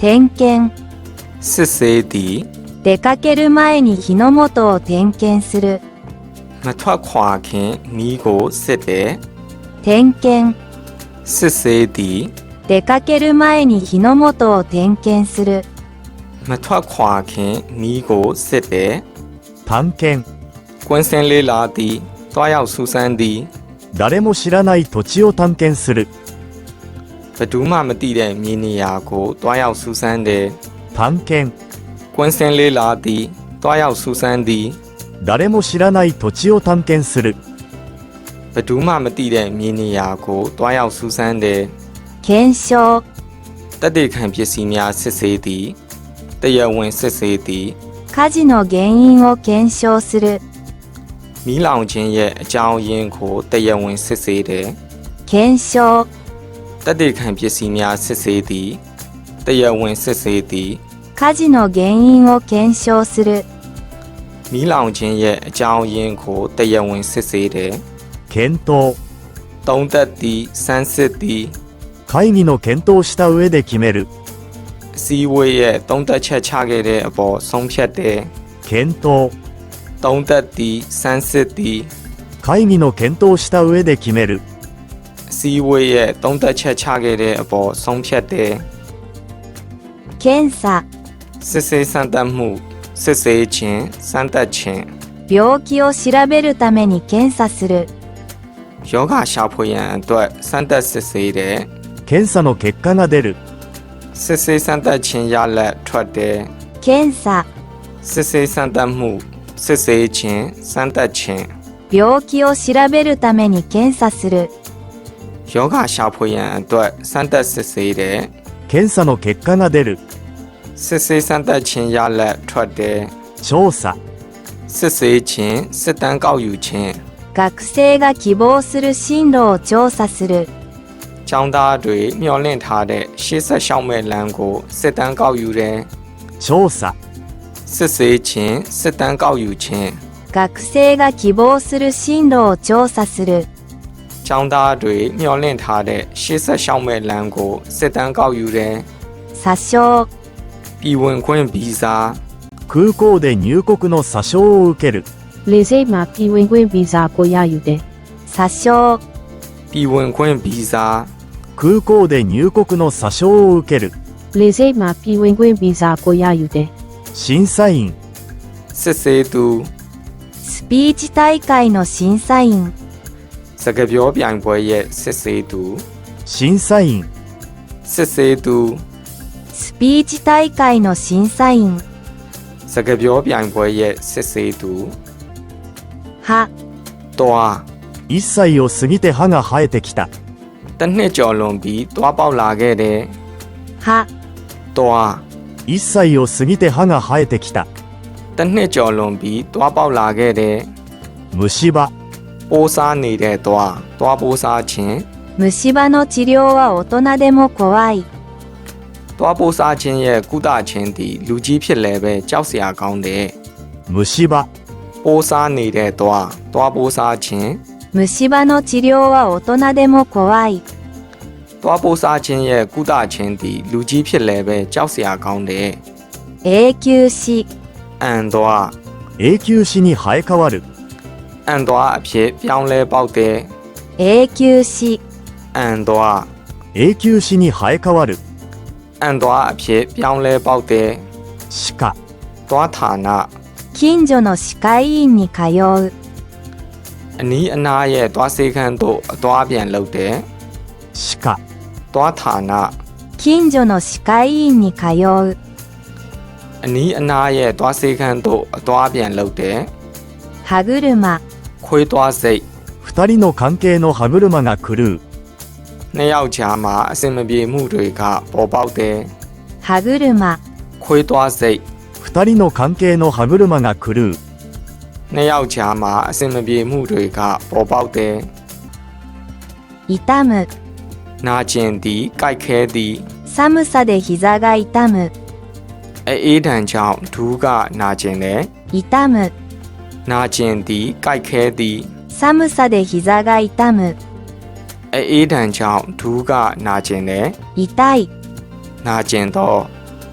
点検、 စစ်ဆေးသည်出かける前に火の元を点検する。 မထွက်ခွာခင်မီးကိုစစ်တယ်点検、 စစ်ဆေးသည်出かける前に火の元を点検する。 မထွက်ခွာခင်မီးကိုစစ်တယ်探検、 ကွင်းစင်လေးလာသည်တွားရောက်စူးစမ်းသည်誰も知らない土地を探検する。 ဘယ်သူမှမသိတဲ့မြေနေရာကိုတွားရောက်စူးစမ်းတယ်探検、 ကွင်းစင်လေးလာသည်တွားရောက်စူးစမ်းသည်誰も知らない土地を探検する。 ဘယ်သူမှမသိတဲ့မြေနေရာကိုတွားရောက်စူးစမ်းတယ်検証、 တက်တေခံပစ္စည်းများစစ်ဆေးသည်တရားဝင်စစ်ဆေးသည်火事の原因を検証する。 မီးလောင်ခြင်းရဲ့အကြောင်းရင်းကိုတရားဝင်စစ်ဆေးတယ်検証、 တက်တေခံပစ္စည်းများစစ်ဆေးသည်တရားဝင်စစ်ဆေးသည်火事の原因を検証する。 မီးလောင်ခြင်းရဲ့အကြောင်းရင်းကိုတရားဝင်စစ်ဆေးတယ်検討、 သုံးသက်သည်စမ်းစစ်သည်会議の検討した上で決める。 အစည်းအဝေးရဲ့သုံးသက်ချက်ချခဲ့တဲ့အပေါ်ဆုံးဖြတ်တယ်検討、 သုံးသက်သည်စမ်းစစ်သည်会議の検討した上で決める。 အစည်းအဝေးရဲ့သုံးသက်ချက်ချခဲ့တဲ့အပေါ်ဆုံးဖြတ်တယ်検査、 စစ်ဆေးစမ်းသပ်မှုစစ်ဆေးခြင်းစမ်းသပ်ခြင်း病気を調べるために検査する。 ယောဂရှာဖွေရန်အတွက်စမ်းသပ်စစ်ဆေးတယ်検査の結果が出る。 စစ်ဆေးစမ်းသပ်ခြင်းရလဒ်ထွက်တယ်検査、 စစ်ဆေးစမ်းသပ်မှုစစ်ဆေးခြင်းစမ်းသပ်ခြင်း病気を調べるために検査する。 ယောဂရှာဖွေရန်အတွက်စမ်းသပ်စစ်ဆေးတယ်検査の結果が出る。 စစ်ဆေးစမ်းသပ်ခြင်းရလဒ်ထွက်တယ်調査、 စစ်ဆေးခြင်းစစ်တမ်းကောက်ယူခြင်း学生が希望する進路を調査する。 ကျောင်းသားတွေမျှော်လင့်ထားတဲ့ရှေ့ဆက်ရှောက်မဲ့လမ်းကိုစစ်တမ်းကောက်ယူတယ်調査、 စစ်ဆေးခြင်းစစ်တမ်းကောက်ယူခြင်း学生が希望する進路を調査する。 ကျောင်းသားတွေမျှော်လင့်ထားတဲ့ရှေ့ဆက်ရှောက်မဲ့လမ်းကိုစစ်တမ်းကောက်ယူတယ်詐称、 ပြည်ဝင်ခွင့်ဗီဇာ空港で入国の詐称を受ける。 လေဆိပ်မှာပြည်ဝင်ခွင့်ဗီဇာကိုရယူတယ်詐称、 ပြည်ဝင်ခွင့်ဗီဇာ空港で入国の詐称を受ける。 လေဆိပ်မှာပြည်ဝင်ခွင့်ဗီဇာကိုရယူတယ်審査員、 စစ်ဆေးသူスピーチ大会の審査員。 စကားပြောပြိုင်ပွဲရဲ့စစ်ဆေးသူ審査員、 စစ်ဆေးသူスピーチ大会の審査員。 စကားပြောပြိုင်ပွဲရဲ့စစ်ဆေးသူ歯、 တွား 1歳を過ぎて歯が生えてきた。 တစ်နှစ်ကျော်လွန်ပြီးတွားပေါက်လာခဲ့တယ်歯、 တွား 1歳を過ぎて歯が生えてきた。 တစ်နှစ်ကျော်လွန်ပြီးတွားပေါက်လာခဲ့တယ်虫歯、 ပိုးစားနေတဲ့တွားပိုးစားခြင်း虫歯の治療は大人でも怖い。 တွားပိုးစားခြင်းရဲ့ကုသခြင်းသည်လူကြီးဖြစ်လည်းပဲကြောက်စရာကောင်းတယ်虫歯、 ပိုးစားနေတဲ့တွားပိုးစားခြင်း虫歯の治療は大人でも怖い。 တွားပိုးစားခြင်းရဲ့ကုသခြင်းသည်လူကြီးဖြစ်လည်းပဲကြောက်စရာကောင်းတယ်永久歯、 အန်တွား永久歯に生え変わる。 အန်တွားအဖြစ်ပြောင်းလဲပေါက်တယ်永久歯、 အန်တွား永久歯に生え変わる。 အန်တွားအဖြစ်ပြောင်းလဲပေါက်တယ်歯科、 တွားဌာန近所の歯科医院に通う。 အနီးအနားရဲ့တွားဆေးခန်းသို့အသွားပြန်လုပ်တယ်歯科、 တွားဌာန近所の歯科医院に通う。 အနီးအနားရဲ့တွားဆေးခန်းသို့အသွားပြန်လုပ်တယ်歯車、 ခွေးတွားစိတ် 2人の関係の歯車が狂う。 နှစ်ယောက်ကြားမှာအဆင်မပြေမှုတွေကပေါ်ပေါက်တယ်歯車、 ခွေးတွားစိတ် 2人の関係の歯車が狂う。 နှစ်ယောက်ကြားမှာအဆင်မပြေမှုတွေကပေါ်ပေါက်တယ်痛む、 နာကျင်သည်ကြိုက်ခဲသည်寒さで膝が痛む。 အေးဒဏ်ကြောင့်ဒူးကနာကျင်တယ်痛む、 နာကျင်သည်ကြိုက်ခဲသည်寒さで膝が痛む。 အေးဒဏ်ကြောင့်ဒူးကနာကျင်တယ်痛い、 နာကျင်သော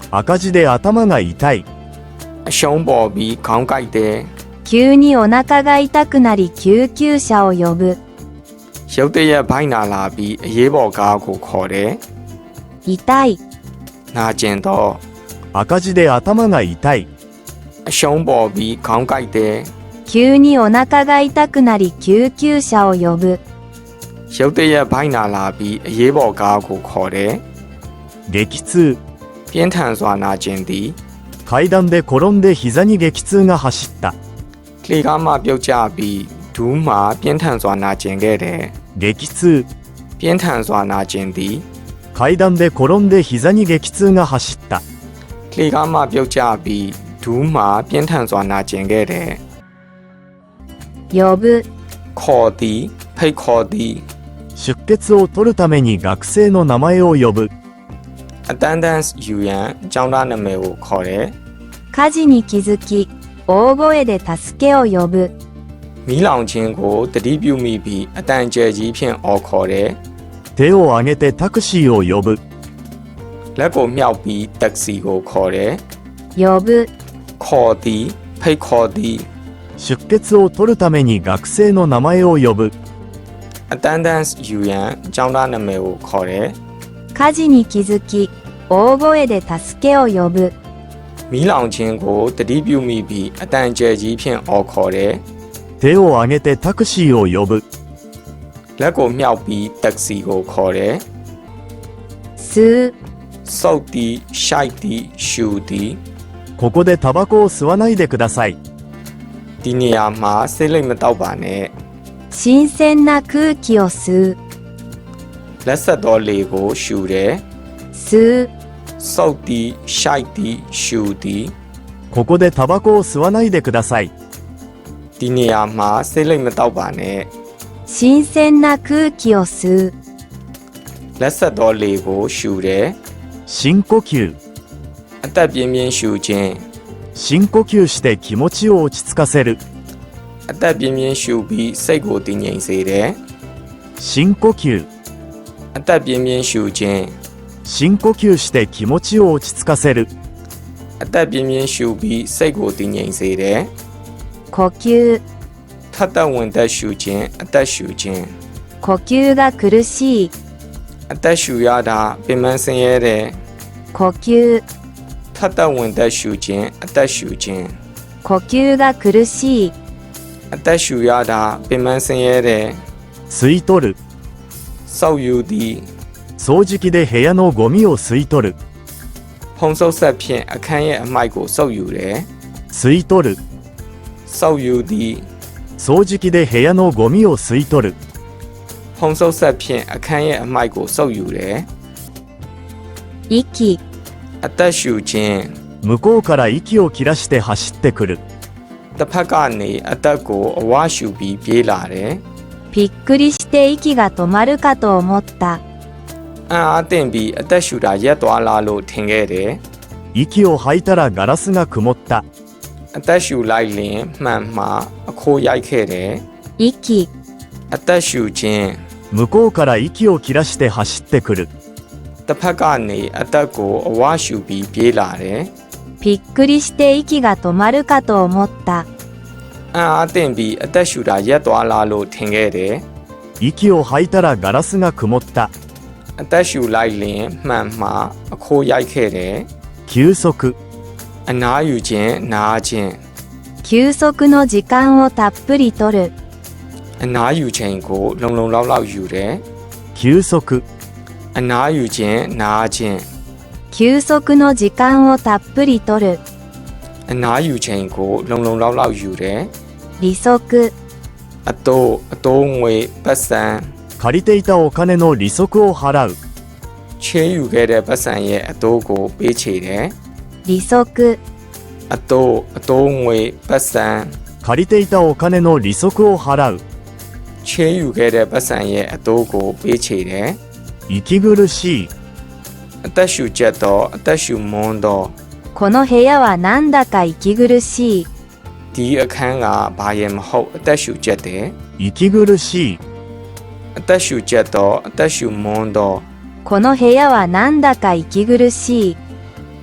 赤字で頭が痛い。 အရှုံးပေါ်ပြီးခေါင်းကိုက်တယ်。 急にお腹が痛くなり救急車を呼ぶ。 ရုတ်တရက်ဘိုင်းနာလာပြီးအရေးပေါ်ကားကိုခေါ်တယ်。 痛い。 နာကျင်တော့。 赤字で頭が痛い。 အရှုံးပေါ်ပြီးခေါင်းကိုက်တယ်。 急にお腹が痛くなり救急車を呼ぶ。 ရုတ်တရက်ဘိုင်းနာလာပြီးအရေးပေါ်ကားကိုခေါ်တယ်。 激痛。 ပြင်းထန်စွာနာကျင်သည်。 階段で転んで膝に激痛が走った。 လှေကားမှပြုတ်ကျပြီးဒူးမှပြင်းထန်စွာနာကျင်ခဲ့တယ်。 激痛。 ပြင်းထန်စွာနာကျင်သည်。 階段で転んで膝に激痛が走った。 လှေကားမှပြုတ်ကျပြီးဒူးမှပြင်းထန်စွာနာကျင်ခဲ့တယ်。 呼ぶ。 ခေါ်သည်ဖိတ်ခေါ်သည်。 出血を取るために学生の名前を呼ぶ。 အတန်းတန်းယူရန်ကျောင်းသားနာမည်ကိုခေါ်တယ်。 火事に気づき大声で助けを呼ぶ。 မီးလောင်ခြင်းကိုတတိပြုမိပြီးအတန်ကျယ်ကြီးဖြင့်အော်ခေါ်တယ်。 手を挙げてタクシーを呼ぶ。 လက်ကိုမြှောက်ပြီးတက္ကစီကိုခေါ်တယ်။呼ぶ。 ခေါ်သည်ဖိတ်ခေါ်သည်。 出血を取るために学生の名前を呼ぶ。 အတန်းတန်းယူရန်ကျောင်းသားနာမည်ကိုခေါ်တယ်。 火事に気づき大声で助けを呼ぶ。 မီးလောင်ခြင်းကိုတတိပြုမိပြီးအတန်ကျယ်ကြီးဖြင့်အော်ခေါ်တယ်။手を挙げてタクシーを呼ぶ。 လက်ကိုမြှောက်ပြီးတက္ကစီကိုခေါ်တယ်။吸う。 စုပ်သည်ရှိုက်သည်ရှူသည်。 ここでタバコを吸わないでください。 ဒီနေရာမှာဆေးလိပ်မတောက်ပါနဲ့。 新鮮な空気を吸う。 လက်ဆက်သောလေကိုရှူတယ်။吸う。 စုပ်သည်ရှိုက်သည်ရှူသည်。 ここでタバコを吸わないでください。 ဒီနေရာမှာဆေးလိပ်မတောက်ပါနဲ့。 新鮮な空気を吸う。 လက်ဆက်သောလေကိုရှူတယ်。 深呼吸。 အသက်ပြင်းပြင်းရှူခြင်း。 深呼吸して気持ちを落ち着かせる。 အသက်ပြင်းပြင်းရှူပြီးစိတ်ကိုတည်ငြိမ်စေတယ်。 深呼吸。 အသက်ပြင်းပြင်းရှူခြင်း。 深呼吸して気持ちを落ち着かせる。 အသက်ပြင်းပြင်းရှူပြီးစိတ်ကိုတည်ငြိမ်စေတယ်。 呼吸。 ထပ်သက်ဝင်သက်ရှူခြင်းအသက်ရှူခြင်း。 呼吸が苦しい。 အသက်ရှူရတာပင်ပန်းဆင်းရဲတယ်。 呼吸。 ထပ်သက်ဝင်သက်ရှူခြင်းအသက်ရှူခြင်း。 呼吸が苦しい。 အသက်ရှူရတာပင်ပန်းဆင်းရဲတယ်。 吸い取る。 စုပ်ယူသည်。 掃除機で部屋のゴミを吸い取る。 ဖုံးဆုပ်ဆက်ဖြင့်အခန်းရဲ့အမိုက်ကိုစုပ်ယူတယ်。 吸い取る。 စုပ်ယူသည်。 掃除機で部屋のゴミを吸い取る。 ဖုံးဆုပ်ဆက်ဖြင့်အခန်းရဲ့အမိုက်ကိုစုပ်ယူတယ်。 息。 အသက်ရှူခြင်း。 向こうから息を切らして走ってくる。 တစ်ဖက်ကနေအသက်ကိုအဝါရှူပြီးပြေးလာတယ်。 びっくりして息が止まるかと思った。 အံ့အားသင့်ပြီးအသက်ရှူတာရက်သွားလားလို့ထင်ခဲ့တယ်。 息を吐いたらガラスが曇った。 အသက်ရှူလိုက်လင်မှန်မှာအခိုးရိုက်ခဲ့တယ်。 息。 အသက်ရှူခြင်း。 向こうから息を切らして走ってくる。 တစ်ဖက်ကနေအသက်ကိုအဝါရှူပြီးပြေးလာတယ်。 びっくりして息が止まるかと思った。 အံ့အားသင့်ပြီးအသက်ရှူတာရက်သွားလားလို့ထင်ခဲ့တယ်။息を吐いたらガラスが曇った。 အသက်ရှူလိုက်လင်မှန်မှာအခိုးရိုက်ခဲ့တယ်。 休息。 အနားယူခြင်းနားခြင်း。 休息の時間をたっぷりとる。 အနားယူခြင်းကိုလုံလုံလောက်လောက်ယူတယ်。 休息。 အနားယူခြင်းနားခြင်း。 休息の時間をたっぷりとる。 အနားယူခြင်းကိုလုံလုံလောက်လောက်ယူတယ်။利息。 အတိုးငွေပတ်စံ。 借りていたお金の利息を払う。 ချေးယူခဲ့တဲ့ပတ်စံရဲ့အတိုးကိုပေးချေတယ်。 利息。 အတိုးငွေပတ်စံ。 借りていたお金の利息を払う。 ချေးယူခဲ့တဲ့ပတ်စံရဲ့အတိုးကိုပေးချေတယ်။息苦しい。 အသက်ရှူချက်တော့အသက်ရှူမွန်းတော့。 この部屋はなんだか息苦しい。 ဒီအခန်းကဘာရဲ့မဟုတ်အသက်ရှူချက်တယ်。 息苦しい。 အသက်ရှူချက်တော့အသက်ရှူမွန်းတော့。 この部屋はなんだか息苦しい。 ဒ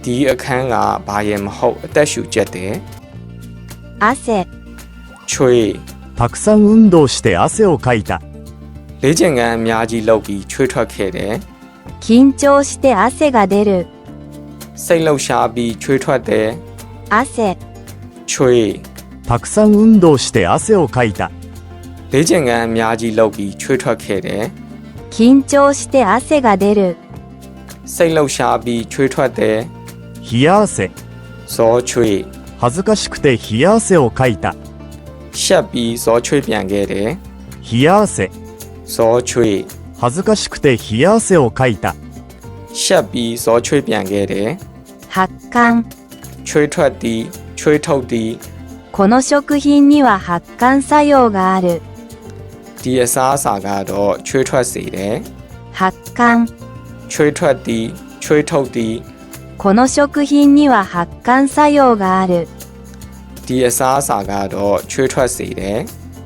ဒီအခန်းကဘာရဲ့မဟုတ်အသက်ရှူချက်တယ်汗、 ချွေးたくさん運動して汗をかいた。 လေ့ကျင့်ခန်းအများကြီးလုပ်ပြီးချွေးထွက်ခဲ့တယ်緊張して汗が出る、 စိတ်လှုပ်ရှားပြီးချွေးထွက်တယ်汗、 ချွေးたくさん運動して汗をかいた。 လေ့ကျင့်ခန်းအများကြီးလုပ်ပြီးချွေးထွက်ခဲ့တယ်緊張して汗が出る、 စိတ်လှုပ်ရှားပြီးချွေးထွက်တယ်冷や汗。 ဇောချွေး恥ずかしくて冷や汗をかいた。 ရှက်ပြီးဇောချွေးပြန်ခဲ့တယ်冷や汗。 ဇောချွေး恥ずかしくて冷や汗をかいた。 ရှက်ပြီးဇောချွေးပြန်ခဲ့တယ်発汗、 ချွေးထွက်သည်ချွေးထုတ်သည်この食品には発汗作用がある、 ဒီအစားအစာကတော့ချွေးထွက်စေတယ်発汗、 ချွေးထွက်သည်ချွေးထုတ်သည်この食品には発汗作用がある、 ဒီအစားအစာကတော့ချွေးထွက်စေတယ်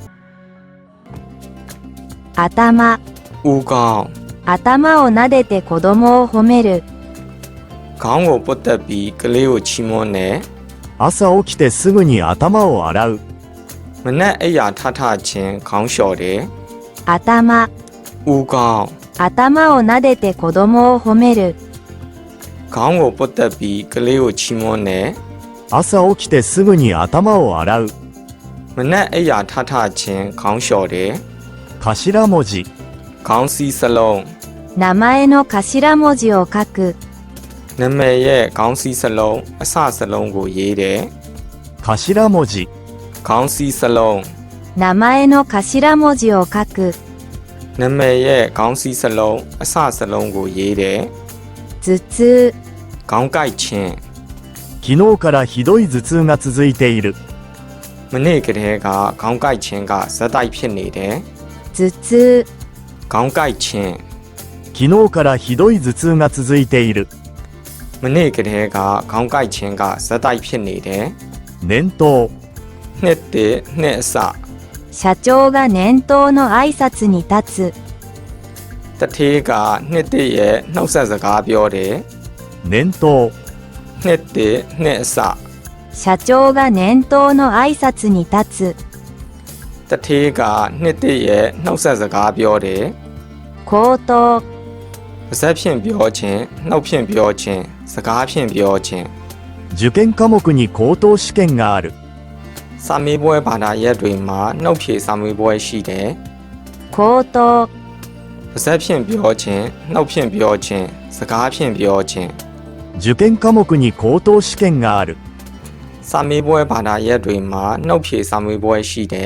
頭、 ဦးကောင်း頭を撫でて子供を褒める、 ခေါင်းကိုပုတ်တက်ပြီးကလေးကိုချီးမွမ်းတယ်朝起きてすぐに頭を洗う。 မနက်အိယာထထချင်းခေါင်းလျှော်တယ်頭、 ဦးကောင်း頭を撫でて子供を褒める、 ခေါင်းကိုပုတ်တက်ပြီးကလေးကိုချီးမွမ်းတယ်朝起きてすぐに頭を洗う。 မနက်အိယာထထချင်းခေါင်းလျှော်တယ်頭文字。 ခေါင်းစည်းစလုံး名前の頭文字を書く、 နာမည်ရဲ့ခေါင်းစည်းစလုံးအစစလုံးကိုရေးတယ်頭文字。 ခေါင်းစည်းစလုံး名前の頭文字を書く、 နာမည်ရဲ့ခေါင်းစည်းစလုံးအစစလုံးကိုရေးတယ်頭痛、 ခေါင်းကိုက်ခြင်း昨日からひどい頭痛が続いている。 မနေ့ကတည်းကခေါင်းကိုက်ခြင်းကဇက်တိုက်ဖြစ်နေတယ်頭痛、 ခေါင်းကိုက်ခြင်း昨日からひどい頭痛が続いている。 မနေ့ကတည်းကခေါင်းကိုက်ခြင်းကဇက်တိုက်ဖြစ်နေတယ်年頭。 နှစ်တည်းနှစ်အစ社長が年頭の挨拶に立つ、 တထေးကနှစ်တည်းရဲ့နှုတ်ဆက်စကားပြောတယ်年頭。 နှစ်တည်းနှစ်အစ社長が年頭の挨拶に立つ、 တထေးကနှစ်တည်းရဲ့နှုတ်ဆက်စကားပြောတယ်口頭、 ပါဇက်ဖြင့်ပြောခြင်းနှုတ်ဖြင့်ပြောခြင်းစကားဖြင့်ပြောခြင်း受験科目に高等試験がある。 စာမေးပွဲဘာသာရပ်တွေမှာနှုတ်ဖြေစာမေးပွဲရှိတယ်口頭、 ပါဇက်ဖြင့်ပြောခြင်းနှုတ်ဖြင့်ပြောခြင်းစကားဖြင့်ပြောခြင်း受験科目に高等試験がある。 စာမေးပွဲဘာသာရပ်တွေမှာနှုတ်ဖြေစာမေးပွဲရှိတယ်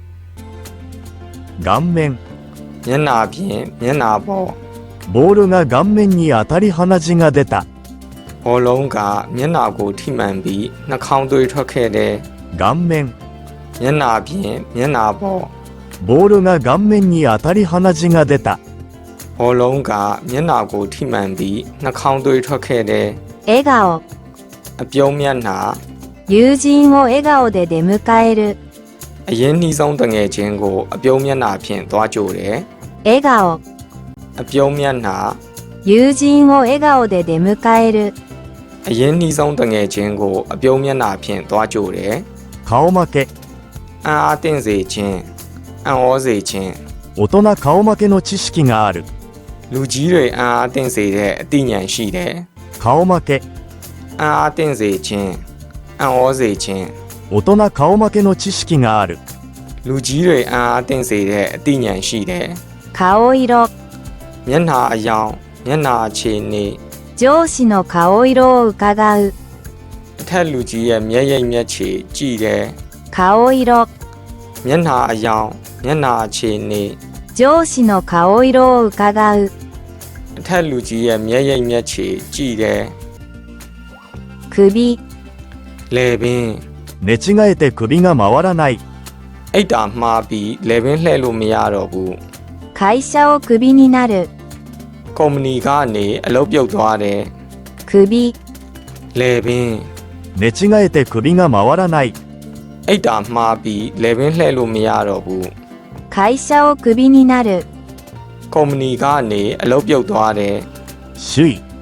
顔面。 မျက်နှာဖြင့်မျက်နှာပေါ်ボールが顔面に当たり鼻血が出た。 ဘောလုံးကမျက်နှာကိုထိမှန်ပြီးနှာခေါင်းသွေးထွက်ခဲ့တယ်顔面。 မျက်နှာဖြင့်မျက်နှာပေါ်ボールが顔面に当たり鼻血が出た。 ဘောလုံးကမျက်နှာကိုထိမှန်ပြီးနှာခေါင်းသွေးထွက်ခဲ့တယ်笑顔、 အပြုံးမျက်နှာ友人を笑顔で出迎える、 အရင်နှီးဆုံးတငယ်ချင်းကိုအပြုံးမျက်နှာဖြင့်သွားကြိုတယ်笑顔、 အပြုံးမျက်နှာ友人を笑顔で出迎える、 အရင်နှီးဆုံးတငယ်ချင်းကိုအပြုံးမျက်နှာဖြင့်သွားကြိုတယ်顔負け。 အံ့အားသင့်စေခြင်းအံ့ဩစေခြင်း大人顔負けの知識がある。 လူကြီးတွေအံ့အားသင့်စေတဲ့အသိဉာဏ်ရှိတယ်顔負け。 အံ့အားသင့်စေခြင်းအံ့ဩစေခြင်း大人顔負けの知識がある。 လူကြီးတွေအံ့အားသင့်စေတဲ့အသိဉာဏ်ရှိတယ်顔色、 မျက်နှာအယောင်မျက်နှာအခြေအနေ上司の顔色を伺う、 အထက်လူကြီးရဲ့မျက်ရည်မျက်ခြေကြည့်တယ်顔色、 မျက်နှာအယောင်မျက်နှာအခြေအနေ上司の顔色を伺う、 အထက်လူကြီးရဲ့မျက်ရည်မျက်ခြေကြည့်တယ်首、 လေပင်寝違えて首が回らない。 အိတ်တာမှားပြီးလေပင်လှဲ့လို့မရတော့ဘူး会社をクビになる、 ကုမ္ပဏီကနေအလုပ်ပြုတ်သွားတယ်首、 လေပင်寝違えて首が回らない。 အိတ်တာမှားပြီးလေပင်လှဲ့လို့မရတော့ဘူး会社をクビになる、 ကုမ္ပဏီကနေအလုပ်ပြုတ်သွားတယ်首位。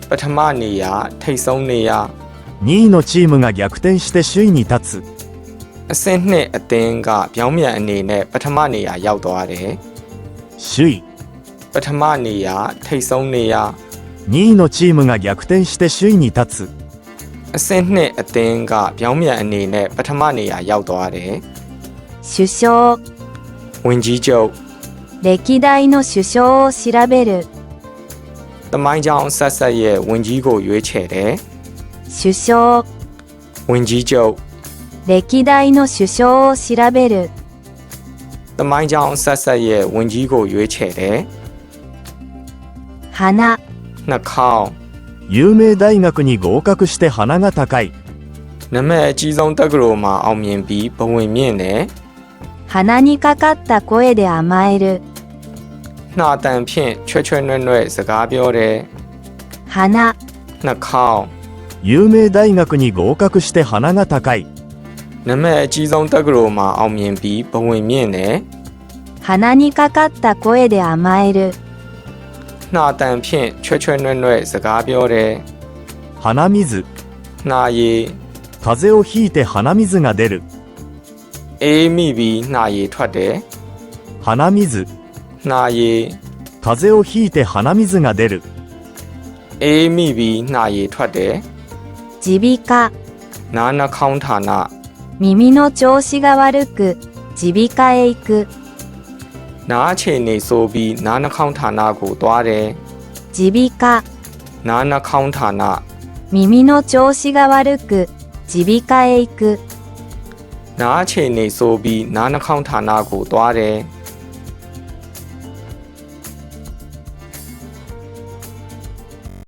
ပထမနေရာထိပ်ဆုံးနေရာ 2位のチームが逆転して首位に立つအဆင့်2အသင်းကပြောင်းပြန်အနေနဲ့ပထမနေရာရောက်သွားတယ်。 首位ပထမနေရာထိပ်ဆုံးနေရာ 2位のチームが逆転して首位に立つအဆင့်2အသင်းကပြောင်းပြန်အနေနဲ့ပထမနေရာရောက်သွားတယ်。 首相、 ဝင်ကြီးချုပ်、 歴代の首相を調べる。 သမိုင်းကြောင်းဆက်ဆက်ရဲ့ဝင်ကြီးကိုရွေးချယ်တယ်。 首相、 ဝင်ကြီးချုပ်、 歴代の首相を調べる。 သမိုင်းကြောင်းဆက်ဆက်ရဲ့ဝင်ကြီးကိုရွေးချယ်တယ်。 花、 နှာခေါင်း有名大学に合格して鼻が高いနာမည်အကြီးဆုံးတက္ကသိုလ်မှာအောင်မြင်ပြီးဘဝင်မြင့်တယ်。 鼻にかかった声で甘える。 နှာတန်ဖြင့်ချွဲချွဲနွဲ့နွဲ့စကားပြောတယ်。 花、 နှာခေါင်း有名大学に合格して鼻が高いနာမည်အကြီးဆုံးတက္ကသိုလ်မှာအောင်မြင်ပြီးဘဝင်မြင့်တယ်။鼻にかかった声で甘える。 နှာတန်ဖြင့်ချွဲချွဲနွဲ့နွဲ့စကားပြောတယ် 「鼻水」 နှာရည် 「風邪をひいて鼻水が出る」 အေးမိပြီးနှာရည်ထွက်တယ် 「鼻水」 နှာရည် 「風邪をひいて鼻水が出る」 အေးမိပြီးနှာရည်ထွက်တယ်耳鼻科、 နားနှာခေါင်းဌာန耳の調子が悪く耳鼻科へ行く。 နားအခြေအနေဆိုပြီးနားနှာခေါင်းဌာနကိုသွားတယ်耳鼻科、 နားနှာခေါင်းဌာန耳の調子が悪く耳鼻科へ行く。 နားအခြေအနေဆိုပြီးနားနှာခေါင်းဌာနကိုသွားတယ်